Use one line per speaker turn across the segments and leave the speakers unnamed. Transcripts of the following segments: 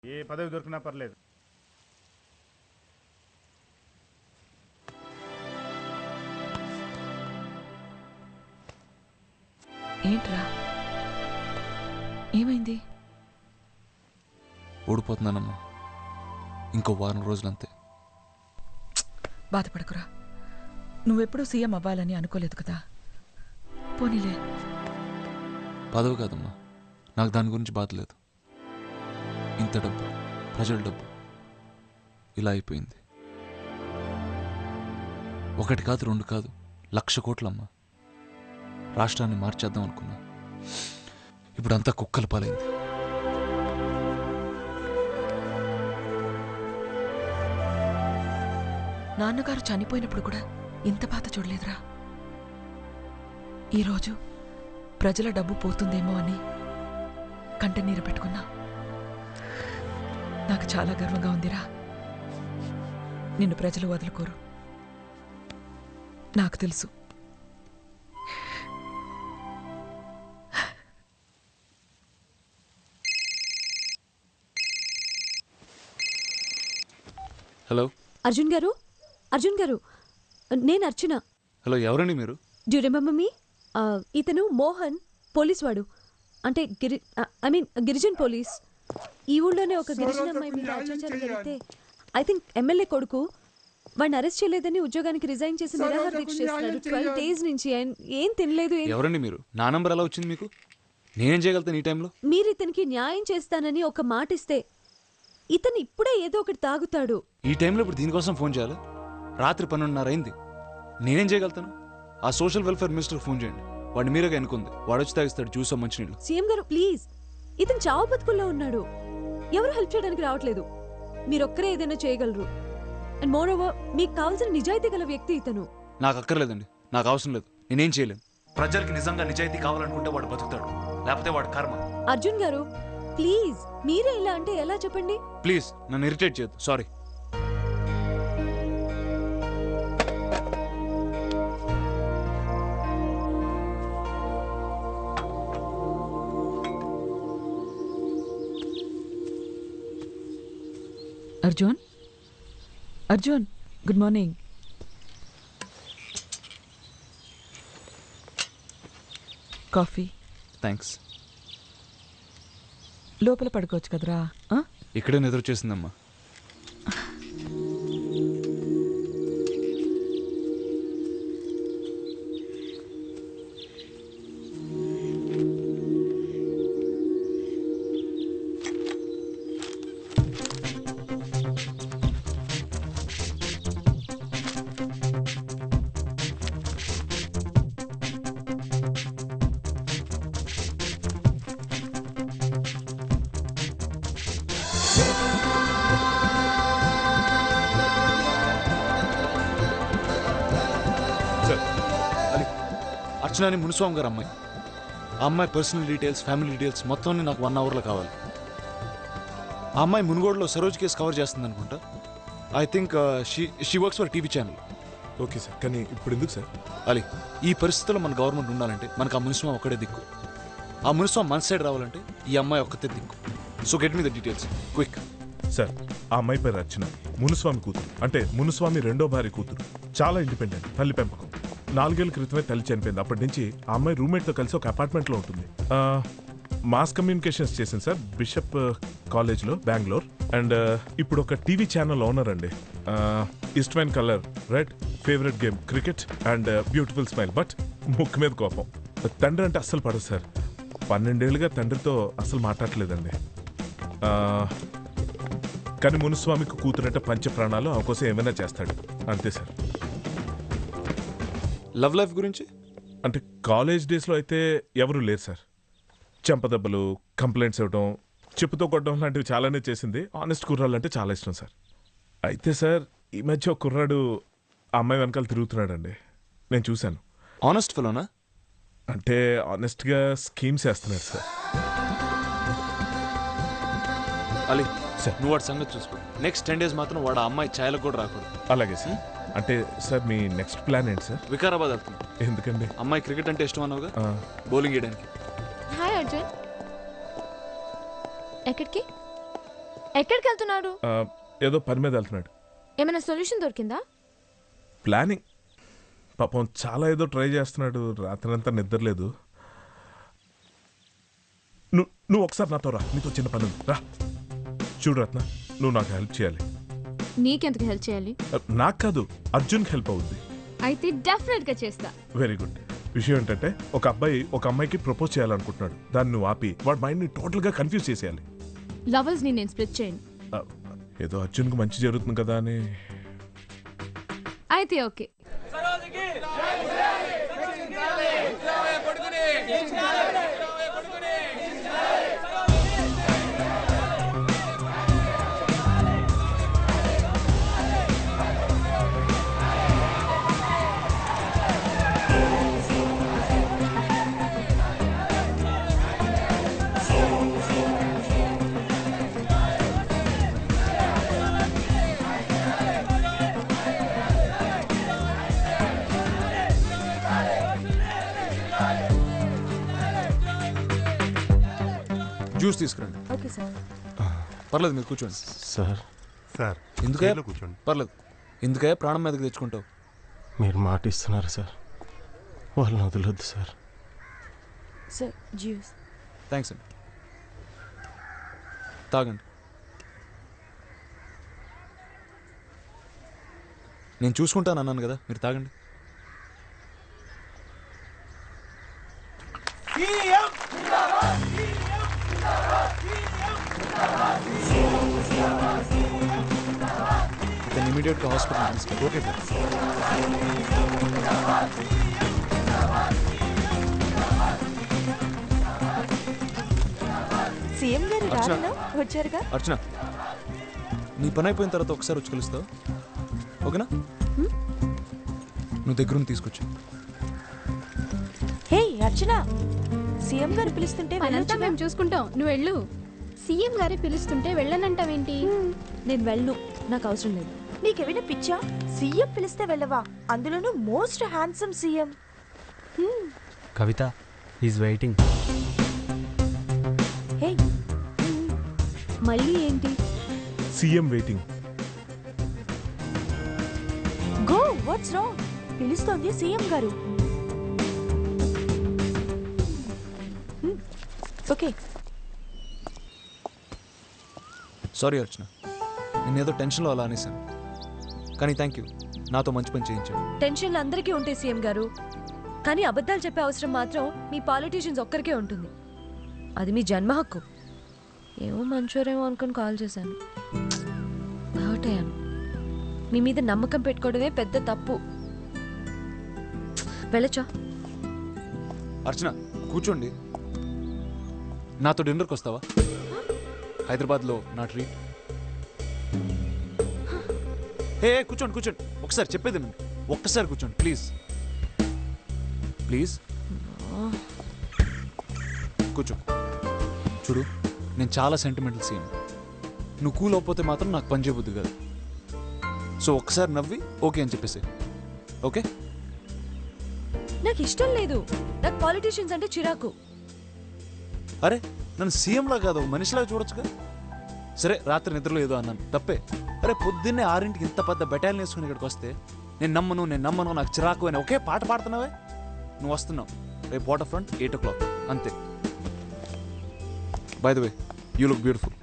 ఏ పదవి దొరికినా పర్లేదు.
ఏంట్రా, ఏమైంది?
ఓడిపోతున్నానమ్మా, ఇంకో వారం రోజులంతే.
బాధపడకురా, నువ్వెప్పుడూ సీఎం అవ్వాలని అనుకోలేదు కదా. పోనీలే.
పదవి కాదమ్మా, నాకు దాని గురించి బాధ లేదు. ఇంత డబ్బు, ప్రజల డబ్బు ఇలా అయిపోయింది. 1 కాదు 2 కాదు, 1,00,000 కోట్లమ్మా. రాష్ట్రాన్ని మార్చేద్దాం అనుకున్నా, ఇప్పుడంతా కుక్కల పాలైంది.
నాన్నగారు చనిపోయినప్పుడు కూడా ఇంత బాధ చూడలేదురా. ఈరోజు ప్రజల డబ్బు పోతుందేమో అని కంటనీరు పెట్టుకున్నా. నాకు చాలా గర్వంగా ఉందిరా. నిన్ను ప్రజలు వదులుకోరు, నాకు తెలుసు.
హలో
అర్జున్ గారు, నేను అర్చన.
హలో, ఎవరండి మీరు?
Do you remember me? ఇతను మోహన్, పోలీస్ వాడు. అంటే గిరిజన్ పోలీస్. ఈ ఊళ్ళోనే ఒక గిరిజన అమ్మాయి మీద అత్యాచారం జరిగితే ఐ థింక్ ఎమ్మెల్యే కొడుకు వాడిని అరెస్ట్ చేయలేదని ఉద్యోగానికి రిజైన్ చేసి నిరాహార దీక్ష చేస్తున్నాడు 12 days నుంచి. ఏం తినలేదు.
ఎవరండి మీరు? నా నంబర్ ఎలా వచ్చింది మీకు? నేనేం చేయగలుగుతాను ఈ టైంలో?
మీరు ఇతనికి న్యాయం చేస్తానని ఒక మాట ఇస్తే ఇతను ఇప్పుడే ఏదో ఒకటి తాగుతాడు.
ఈ టైంలో ఇప్పుడు దీనికోసం ఫోన్ చేయాలి? రాత్రి 12:30 అయింది. నేనేం చేయగలుగుతాను? ఆ సోషల్ వెల్ఫేర్ మినిస్టర్ ఫోన్ చేయండి. వాడిని మీరుగా ఎన్నుకుంది. వాడు వచ్చి తాగిస్తాడు జ్యూస్, మంచినీళ్ళు.
సీఎం గారు ప్లీజ్, ఇతను చావు బతుకుల్లో ఉన్నాడు. ఎవరు హెల్ప్ చేయడానికి రావట్లేదు. మీరొక్కరే ఏదైనా చేయగలరు. అండ్ మోర్ ఓవర్, మీకు కావాల్సిన నిజాయితీ గల వ్యక్తి ఇతను.
నాకు అక్కర్లేదండి, నాకు అవసరం లేదు. నేనేం చేయలేను. ప్రజలకి నిజంగా నిజాయితీ కావాలనుకుంటే వాడు బతుకుతాడు, లేకపోతే వాడు కర్మ.
అర్జున్ గారు ప్లీజ్, మీరే ఇలా అంటే ఎలా చెప్పండి?
ప్లీజ్ నన్ను ఇరిటేట్ చేయొద్దు. Sorry.
Arjun, good morning. Coffee.
Thanks.
లోపల పడుకోవచ్చు కదరా.
ఇక్కడే నిద్ర చేసిందమ్మా. అర్చనని మునిస్వామి గారు అమ్మాయి. ఆ అమ్మాయి పర్సనల్ డీటెయిల్స్, ఫ్యామిలీ డీటెయిల్స్ మొత్తం నాకు 1 hourలో కావాలి. ఆ అమ్మాయి మునుగోడులో సరోజ్ కేసు కవర్ చేస్తుంది అనుకుంటా. I think she works for TV channel.
Okay sir, కానీ ఇప్పుడు ఎందుకు సార్?
అలీ, ఈ పరిస్థితుల్లో మన గవర్నమెంట్ ఉండాలంటే మనకు ఆ మునిస్వామి ఒక్కడే దిక్కు. ఆ మునిస్వామి మన సైడ్ రావాలంటే ఈ అమ్మాయి ఒక్కతే దిక్కు. So get me the details quick.
Sir, ఆ అమ్మాయి పేరు అర్చన, మునుస్వామి కూతురు. అంటే మునుస్వామి 2వ భార్య కూతురు. చాలా ఇండిపెండెంట్, తల్లి పెంపకం. 4 ఏళ్ల క్రితమే తల్లి చనిపోయింది. అప్పటి నుంచి ఆ అమ్మాయి రూమ్మేట్తో కలిసి ఒక అపార్ట్మెంట్లో ఉంటుంది. మాస్ కమ్యూనికేషన్స్ చేసింది సార్, బిషప్ కాలేజ్లో, బెంగళూరు. అండ్ ఇప్పుడు ఒక టీవీ ఛానల్ ఓనర్ అండి. ఇష్టమైన colour red, favourite game cricket, and beautiful smile. But ముక్కు మీద కోపం. తండ్రి అంటే అస్సలు పడదు సార్. 12 ఏళ్ళుగా తండ్రితో అస్సలు మాట్లాడలేదండి. కానీ మునుస్వామికి కూతురంటే పంచ ప్రాణాలు, ఆమె కోసం ఏమైనా చేస్తాడు. అంతే సార్.
లవ్ లైఫ్ గురించి
అంటే కాలేజ్ డేస్లో అయితే ఎవరూ లేరు సార్. చెంపదెబ్బలు, కంప్లైంట్స్ ఇవ్వడం, చెప్పుతో కొట్టడం లాంటివి చాలానే చేసింది. ఆనెస్ట్ కుర్రాళ్ళు అంటే చాలా ఇష్టం సార్. అయితే సార్, ఈ మధ్య ఒక కుర్రాడు ఆ అమ్మాయి వెనకాల తిరుగుతున్నాడండి. నేను చూశాను.
ఆనెస్ట్ ఫెలోనా?
అంటే ఆనెస్ట్గా స్కీమ్స్ వేస్తున్నాడు సార్.
అలీ సార్, నువ్వు వాడి సంగతి చూసుకో. నెక్స్ట్ 10 days మాత్రం వాడు ఆ అమ్మాయి ఛాయలకు కూడా రాకూడదు.
అలాగే సార్. అంటే సార్, మీ నెక్స్ట్ ప్లాన్ ఏంటి సార్?
వికారాబాద్ వెళ్తున్నాం.
ఎందుకండి?
అమ్మాయి క్రికెట్ అంటే ఇష్టం అన్నావుగా, బౌలింగ్ వేయడానికి.
హాయ్ అర్జున్. ఎక్కడికి?
ఎక్కడికి వెళ్తున్నాడు?
ఏదో పని మీద వెళ్తున్నాడు.
ఏమైనా సొల్యూషన్ దొరికిందా?
ప్లానింగ్. పాపం చాలా ఏదో ట్రై చేస్తున్నాడు. రాత్రంతా నిద్రలేదు. నువ్వు ఒకసారి నాతో రా, నీతో చిన్న పని ఉంది. రా. చూడు రత్న, నువ్వు నాకు హెల్ప్ చేయాలి.
నీకెందుకు హెల్ప్ చేయాలి?
నాకు కాదు, అర్జున్కి హెల్ప్ అవుద్ది.
అయితే డెఫినెట్ గా చేస్తా.
Very good. విషయం ఏంటంటే ఒక అబ్బాయి ఒక అమ్మాయికి ప్రపోజ్ చేయాలనుకుంటున్నాడు. దాన్ని నువ్వు ఆపి వాడి మైండ్ని టోటల్గా కన్ఫ్యూజ్ చేసేయాలి.
లవర్స్ ని నేను స్ప్లిట్ చేయను.
ఏదో అర్జున్కి మంచి జరుగుతుంది కదా అని.
అయితే ఓకే.
జ్యూస్ తీసుకురండి.
Okay sir.
పర్లేదు, మీరు కూర్చోండి.
సార్
ఎందుకే
చైర్లో కూర్చోండి.
పర్లేదు. ఎందుకే ప్రాణం మీదకి తెచ్చుకుంటావు?
మీరు మాట ఇస్తున్నారు సార్, వాళ్ళని వదలొద్దు సార్.
Sir juice.
థ్యాంక్స్ అండి. తాగండి. నేను చూసుకుంటాను అన్నాను కదా, మీరు తాగండి. ఇతను ఇమీడియట్గా హాస్పిటల్ తీసుకెళ్ళి. Okay sir.
సీఎం గారు
అర్చన.
రాలేనా? వచ్చారుగా.
అర్చన, నీ పని అయిపోయిన తర్వాత ఒకసారి వచ్చి కలుస్తావు, ఓకేనా? నువ్వు దగ్గరుండి తీసుకొచ్చు.
హే అర్చన, సీఎం గారు పిలుస్తుంటే
అదంతా
వెళ్ళొచ్చుగా.
మేము చూసుకుంటాం, నువ్వు వెళ్ళు. సీఎం గారే పిలుస్తుంటే వెళ్ళనంటావేంటి?
నేను వెళ్ళను, నాకు అవసరం లేదు.
నీకేమైనా పిచ్చా? సీఎం పిలిస్తే వెళ్ళవా? అందులోనూ most handsome CM.
Kavitha is waiting.
Hey
మళ్ళీ ఏంటి?
CM waiting.
Go, what's wrong? పిలుస్తోంది సీఎం గారు. ఓకే.
సారీ అర్చన, నేనేదో టెన్షన్లో అలా అనేసాను, కానీ థ్యాంక్ యూ, నాతో మంచి పని చేయించాడు.
టెన్షన్లు అందరికీ ఉంటాయి సీఎం గారు, కానీ అబద్ధాలు చెప్పే అవసరం మాత్రం మీ పాలిటీషియన్స్ ఒక్కరికే ఉంటుంది. అది మీ జన్మ హక్కు. ఏమో మంచోరేమో అనుకుని కాల్ చేశాను, హర్ట్ అయ్యాను. మీ మీద నమ్మకం పెట్టుకోవడమే పెద్ద తప్పు. వెళ్ళొచ్చా?
అర్చన కూర్చోండి. నాతో డిన్నర్కి వస్తావా? హైదరాబాద్లో నా ట్రీట్. హే కూర్చోండి కూర్చోండి, ఒకసారి చెప్పేది వినండి. ఒక్కసారి కూర్చోండి ప్లీజ్ ప్లీజ్. కూర్చో. చూడు, నేను చాలా సెంటిమెంటల్ సీన్. నువ్వు కూల్ అవ్వకపోతే మాత్రం నాకు పని చేయబుద్ది కాదు. సో ఒక్కసారి నవ్వి ఓకే అని చెప్పేసి. ఓకే?
నాకు ఇష్టం లేదు, నాకు పాలిటీషియన్స్ అంటే చిరాకు.
అరే నన్ను సీఎంలా కాదు మనిషిలాగా చూడొచ్చుగా. సరే రాత్రి నిద్రలో ఏదో అన్నాను, తప్పే. అరే పొద్దున్నే 6ంటికి ఇంత పెద్ద బెటాలియన్ వేసుకుని ఇక్కడికి వస్తే నేను నమ్మను నాకు చిరాకు అని ఒకే పాట పాడుతున్నావే. నువ్వు వస్తున్నావు రేపు వాటర్ ఫ్రంట్ 8 o'clock అంతే. By the way you look beautiful.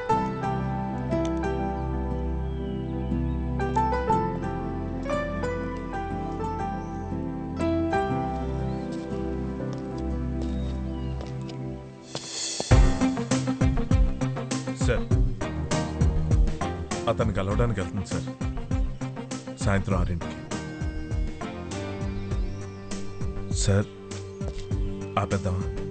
Sir అతను కలవడానికి వెళ్తుంది సార్, సాయంత్రం 6ంటికి. సార్ ఆపేద్దామా?